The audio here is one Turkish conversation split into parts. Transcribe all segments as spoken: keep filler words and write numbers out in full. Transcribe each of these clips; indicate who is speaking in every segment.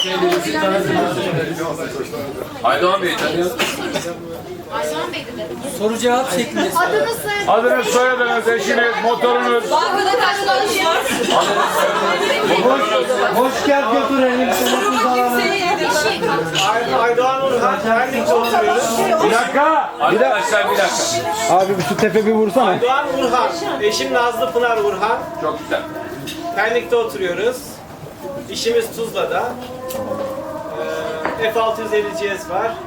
Speaker 1: Aydoğan Bey'i tanıyor musun?
Speaker 2: Aydoğan Bey dedi.
Speaker 3: Soru cevap şeklinde.
Speaker 2: Adınız soyadınız.
Speaker 4: Adınız, soyadınız, eşiniz, motorunuz.
Speaker 2: Bankada karşılaşıyoruz.
Speaker 3: Hoş gel götürelim.
Speaker 5: Aydoğan Urhan, Pendik'te oturuyoruz.
Speaker 4: Bir dakika.
Speaker 1: Arkadaşlar bir dakika.
Speaker 6: Abi şu tepe bir vursana.
Speaker 5: Aydoğan Urhan, eşim Nazlı Pınar Urhan.
Speaker 1: Çok güzel.
Speaker 5: Pendik'te oturuyoruz. İşimiz Tuzla'da. Ee, F altı yüz elli C S var.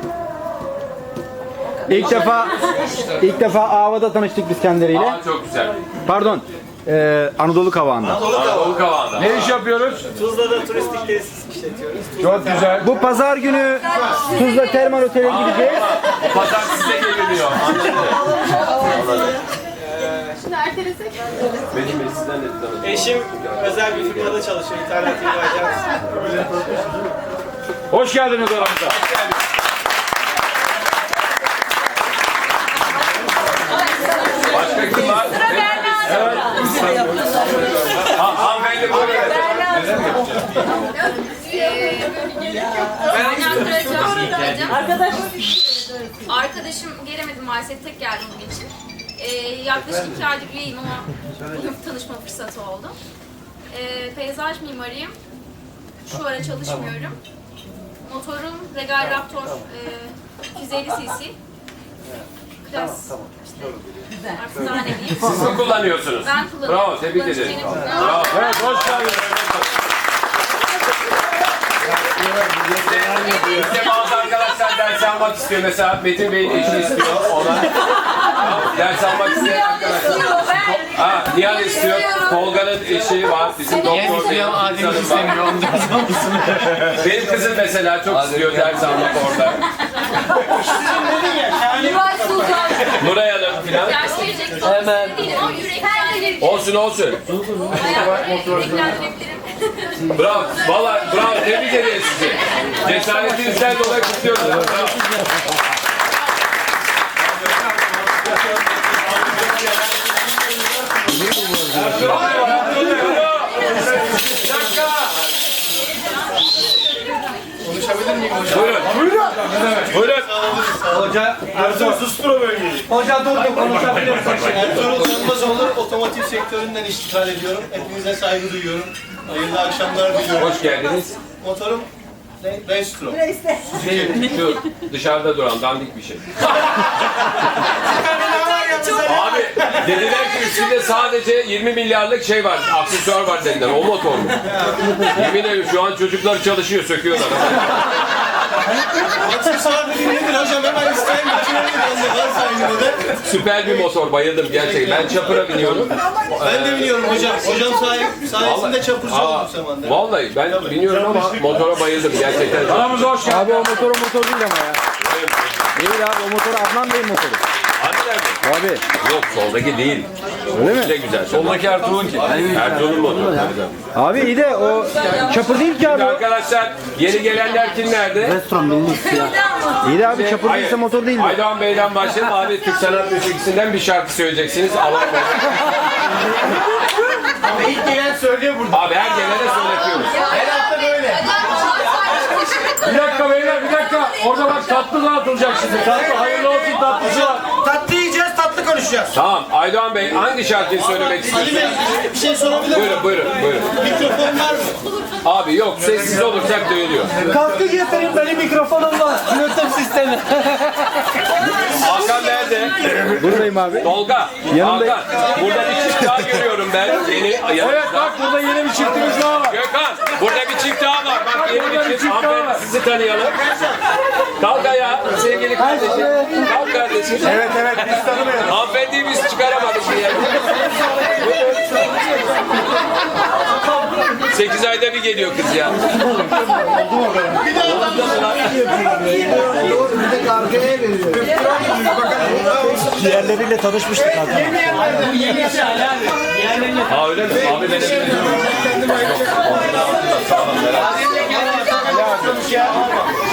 Speaker 6: İlk defa ilk defa Ava'da tanıştık biz kendileriyle.
Speaker 1: Aa, çok güzel.
Speaker 6: Pardon. Ee, Anadolu Kavağı'nda.
Speaker 1: Anadolu Kavağı'nda.
Speaker 4: Ne iş yapıyoruz?
Speaker 5: Tuzla'da turistik tesis işletiyoruz.
Speaker 4: Çok güzel.
Speaker 6: Bu pazar günü Tuzla Termal Otel'e gideceğiz.
Speaker 1: Pazar size geliniyor. Anladım.
Speaker 2: Şimdi ertelesek.
Speaker 1: Benim Bey sizden de tanıdım.
Speaker 5: Eşim özel bir firmada çalışıyor. İnternet ihracat.
Speaker 4: Hoş geldiniz aramıza.
Speaker 1: Başka kim var? Evet. Ha, hanımefendi böyle.
Speaker 2: Arkadaş. Arkadaşım gelemedi maalesef, tek geldim bugün için. Ee, yaklaşık iki aydır üyeyim ama bugün tanışma fırsatı oldu. Ee, peyzaj mimarıyım. Şu ara çalışmıyorum. Motorum Regal Raptor e, iki yüz elli cc. Klas. İşte, artık daha ne diyeyim.
Speaker 1: Siz mi kullanıyorsunuz?
Speaker 2: Ben kullanıyorum.
Speaker 1: Bravo, tebrik ederim.
Speaker 2: Kullanıcı
Speaker 1: Bravo.
Speaker 4: Evet, hoş geldiniz.
Speaker 1: İşte bazı arkadaşlar ders almak istiyor. Mesela Metin Bey'in eşi istiyor. Ona ders almak isteyen arkadaşlar. Ha, Nihan istiyor. Tolga'nın eşi var. Bizim doktor Bey'in
Speaker 3: Adem istemiyor ondan sonrasını.
Speaker 1: Benim kızım mesela çok istiyor ders almak orada. Nuray Hanım filan.
Speaker 2: Ders verecek falan değil ama yüreklendirebilirim.
Speaker 1: Olsun olsun.
Speaker 2: Bayağı yüreklendirebilirim.
Speaker 1: Bravo. Valla bravo. Tebrik ederiz sizi. Cesaretinizden dolayı kutluyoruz. Bravo.
Speaker 4: Konuşabilir miyim hocam?
Speaker 1: Buyurun. Buyurun. Buyurun.
Speaker 4: Hoca, Ertuğrul sustur o bölgeyi.
Speaker 3: Hoca dur dur konuşabilirsin.
Speaker 7: Ertuğrul Tanımazoğlu, otomotiv sektöründen iştigal ediyorum. Hepinize saygı duyuyorum. Hayırlı akşamlar diliyorum.
Speaker 1: Hoş geldiniz.
Speaker 7: Motorum ne? Restro.
Speaker 1: Şu dışarıda duran dandik bir şey. Abi dediler ki üstünde sadece yirmi milyarlık şey var, aksesuar var dediler. O motor mu? Yemin ederim şu an çocuklar çalışıyor, söküyorlar.
Speaker 7: Aksesuar dediğin nedir hocam? Hemen isteyen götürelim. Bende var sahibi de.
Speaker 1: Süper bir motor, bayıldım gerçekten. Ben çapıra biniyorum.
Speaker 7: Ben de biliyorum hocam. Hocam sayesinde, sayesinde çapurcu oldum zamanda.
Speaker 1: Vallahi ben biniyorum ama motora bayıldım gerçekten.
Speaker 4: Aramıza hoş geldin.
Speaker 6: Abi o motor o motor değil ama ya. Değil abi o motor Adnan Bey'in motoru.
Speaker 1: Hadi nerede?
Speaker 6: Abi.
Speaker 1: Yok soldaki değil.
Speaker 6: Öyle mi?
Speaker 1: Ne güzel. Soldaki Ertuğrul'un ki. Ertuğrul'un motoru.
Speaker 6: Abi iyi de o çapır değil ki abi. o.
Speaker 1: Arkadaşlar yeni gelenler kimlerdi?
Speaker 6: İyi de abi çapır
Speaker 1: Hayır.
Speaker 6: değilse motor değil.
Speaker 1: Aydoğan Bey'den başlayalım. Abi Türk sanat müziğinden bir şarkı söyleyeceksiniz. Allah
Speaker 7: Ama ilk gelen söylüyor burada.
Speaker 1: Abi her gelene söyletiyoruz.
Speaker 7: Her hafta böyle.
Speaker 4: Bir dakika beyler, bir dakika. Orada bak tatlı dağıtılacak şimdi. Tatlı, hayırlı olsun tatlısı var.
Speaker 7: Tatlı yiyeceğiz, tatlı konuşacağız.
Speaker 1: Tamam. Aydoğan Bey hangi şarkıyı söylemek
Speaker 7: Ali
Speaker 1: istiyorsunuz?
Speaker 7: Bey bir şey sorabilir miyim?
Speaker 1: Buyurun, buyurun, buyurun.
Speaker 7: Mikrofon var mı?
Speaker 1: Abi yok, sessiz olursak duyuluyor.
Speaker 3: Kaskı getirin benim mikrofonum var. Bluetooth sistemi.
Speaker 1: Hakan nerede?
Speaker 6: Buradayım abi.
Speaker 1: Tolga.
Speaker 6: Yanımdayım.
Speaker 1: Hakan. Burada bir çift daha görüyorum ben. Yeni
Speaker 4: Evet
Speaker 1: yanımızda.
Speaker 4: bak burada yeni bir çiftimiz daha var.
Speaker 1: Gökhan, burada bir çift daha var. Bak yeni bir çift. Hanımefendi sizi tanıyalım. Kalk ayağa sevgili kardeşim. Kalk kardeşim.
Speaker 4: Evet evet biz tanımıyoruz.
Speaker 1: Hanımefendiyi biz çıkaramadık bir yerde. Sekiz ayda bir geliyor kız ya.
Speaker 6: Diğerleriyle tanışmıştık abi.
Speaker 3: Bu yeni şey Ali abi. Diğerlerine.
Speaker 1: Ha öyle mi? Abi benim.
Speaker 7: Ya.